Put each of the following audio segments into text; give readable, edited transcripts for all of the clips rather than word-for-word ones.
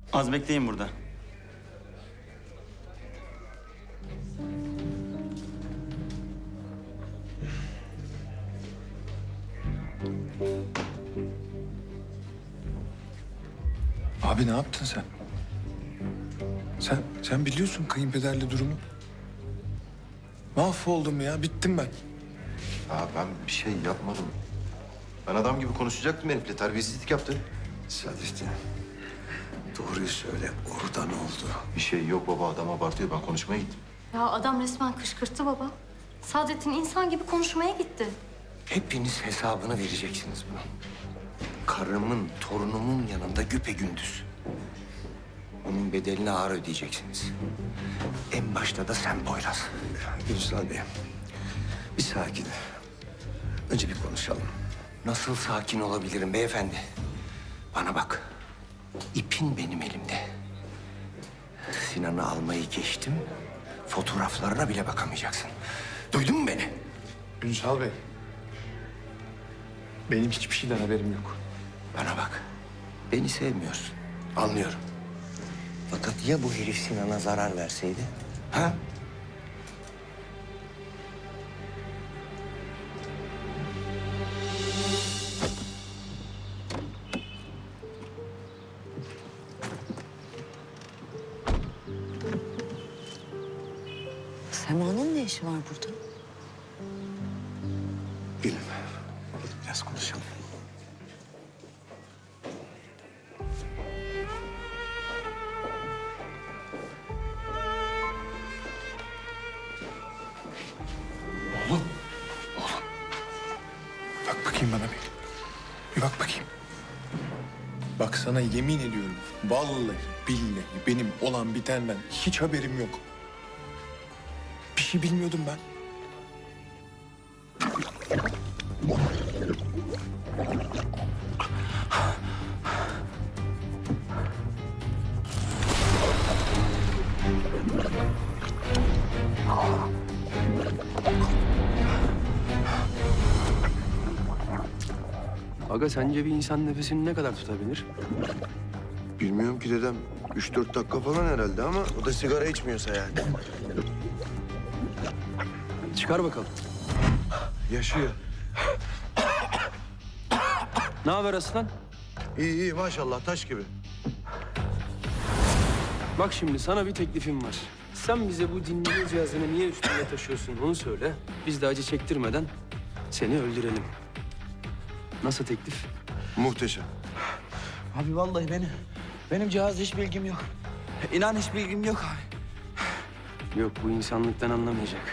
Az bekleyin burada. Abi ne yaptın sen? Sen biliyorsun kayınpederle durumu. Mahvoldum ya, bittim ben. Ya ben bir şey yapmadım. Ben adam gibi konuşacaktım herifle. Terbiyesizlik yaptı. Sadrettin, doğruyu söyle. Orada ne oldu? Bir şey yok baba. Adam abartıyor. Ben konuşmaya gittim. Ya adam resmen kışkırttı baba. Saadettin insan gibi konuşmaya gitti. Hepiniz hesabını vereceksiniz bunun. Karımın, torunumun yanında güpegündüz. Onun bedelini ağır ödeyeceksiniz. En başta da sen Poyraz. Ünsal Bey, bir sakin. Önce bir konuşalım. Nasıl sakin olabilirim beyefendi? Bana bak. İpin benim elimde. Sinan'ı almayı geçtim. Fotoğraflarına bile bakamayacaksın. Duydun mu beni? Ünsal Bey, benim hiçbir şeyden haberim yok. Bana bak. Beni sevmiyorsun. Anlıyorum. Fakat ya bu herif Sinan'a zarar verseydi? Ha? Sema'nın ne işi var burada? Gelin. Biraz konuşalım. Bak bakayım bana bir. Bir bak bakayım. Bak sana yemin ediyorum. Vallahi billahi benim olan bitenden hiç haberim yok. Bir şey bilmiyordum ben. Aga sence bir insan nefesini ne kadar tutabilir? Bilmiyorum ki dedem. 3-4 dakika falan herhalde ama o da sigara içmiyorsa yani. Çıkar bakalım. Yaşıyor. Ne haber aslan? İyi iyi maşallah taş gibi. Bak şimdi sana bir teklifim var. Sen bize bu dinleme cihazını niye üstünde taşıyorsun onu söyle. Biz de acı çektirmeden seni öldürelim. Nasıl teklif? Muhteşem. Abi vallahi benim cihaz hiç bilgim yok. İnan hiç bilgim yok abi. Yok bu insanlıktan anlamayacak.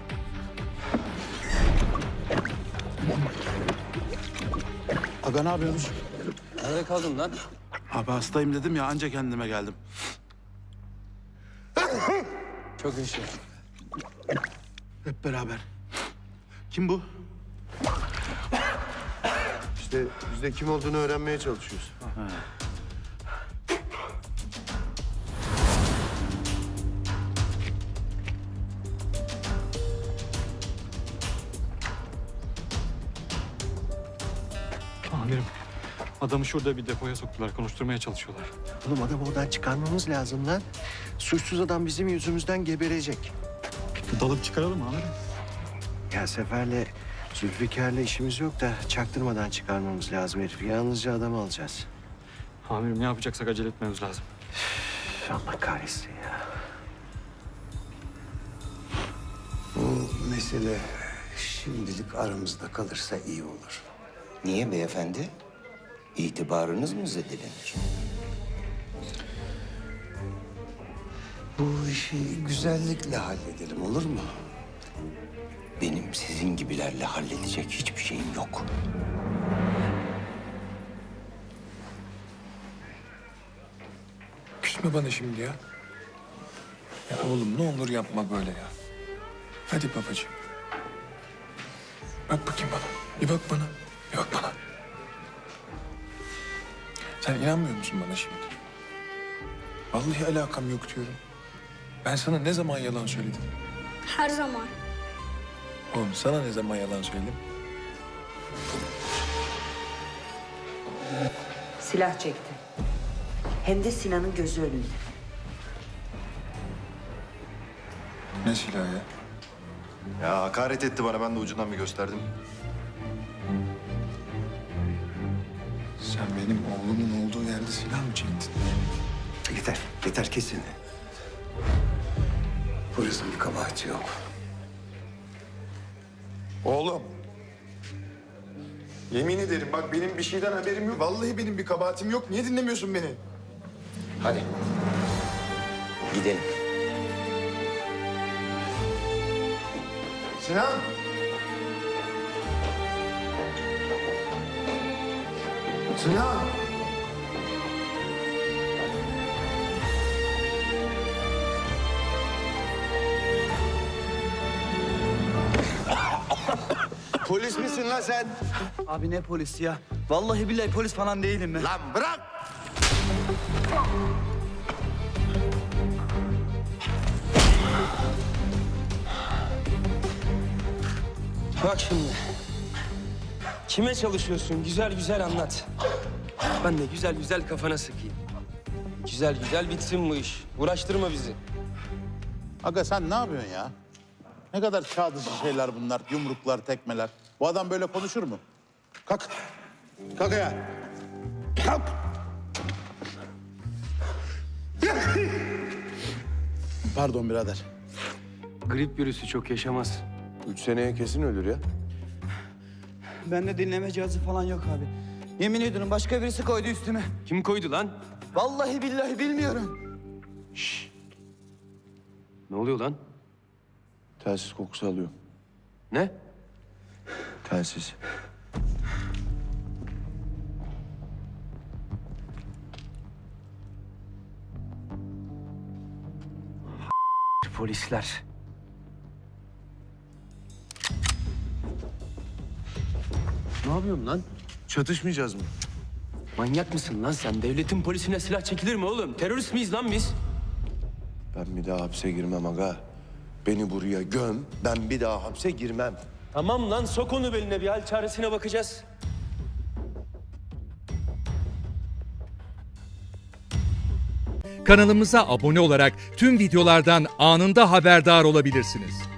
Aga ne yapıyorsunuz? Nerede kaldın lan? Abi hastayım dedim ya anca kendime geldim. Çok yaşa. Hep beraber. Kim bu? İşte biz de kim olduğunu öğrenmeye çalışıyoruz. Amirim, adamı şurada bir depoya soktular. Konuşturmaya çalışıyorlar. Oğlum adamı oradan çıkarmamız lazım lan. Suçsuz adam bizim yüzümüzden geberecek. Dalıp çıkaralım amirim. Ya Sefer'le Zülfikar'la işimiz yok da çaktırmadan çıkarmamız lazım herifi. Yalnızca adamı alacağız. Amirim ne yapacaksak acele etmemiz lazım. Üf, Allah kahretsin ya. Bu mesele şimdilik aramızda kalırsa iyi olur. Niye beyefendi? İtibarınız mı zedelenir? Bu işi güzellikle halledelim olur mu? Benim sizin gibilerle halledecek hiçbir şeyim yok. Küsme bana şimdi ya. Ya oğlum ne olur yapma böyle ya. Hadi babacığım. Bak bakayım bana. Bir bak bana. Bir bak bana. Sen inanmıyor musun bana şimdi? Vallahi alakam yok diyorum. Ben sana ne zaman yalan söyledim? Her zaman. Oğlum sana ne zaman yalan söyledim? Silah çekti. Hem de Sinan'ın gözü önünde. Ne silahı ya? Ya hakaret etti bana, ben de ucundan bir gösterdim. Sen benim oğlumun olduğu yerde silah mı çektin? Yeter, yeter kesin. Polisin bir kabahati yok. Oğlum. Yemin ederim bak benim bir şeyden haberim yok. Vallahi benim bir kabahatim yok. Niye dinlemiyorsun beni? Hadi. Gidelim. Sinan! Sinan! Polis misin lan sen? Abi ne polisi ya? Vallahi billahi polis falan değilim ben. Lan bırak! Bak şimdi. Kime çalışıyorsun? Güzel güzel anlat. Ben de güzel güzel kafana sıkayım. Güzel güzel bitsin bu iş. Uğraştırma bizi. Aga sen ne yapıyorsun ya? Ne kadar çağ dışı şeyler bunlar. Yumruklar, tekmeler. Bu adam böyle konuşur mu? Kalk. Kalk ayağa. Kalk. Pardon birader. Grip virüsü çok yaşamaz. 3 seneye kesin ölür ya. Bende dinleme cihazı falan yok abi. Yemin ediyorum başka birisi koydu üstüme. Kim koydu lan? Vallahi billahi bilmiyorum. Ne oluyor lan? Telsiz kokusu alıyor. Ne? Telsiz. Polisler. Ne yapıyorsun lan? Çatışmayacağız mı? Manyak mısın lan sen? Devletin polisine silah çekilir mi oğlum? Terörist miyiz lan biz? Ben bir daha hapse girmem aga. Beni buraya göm, ben bir daha hapse girmem. Tamam lan sok onu beline bir hal çaresine bakacağız. Kanalımıza abone olarak tüm videolardan anında haberdar olabilirsiniz.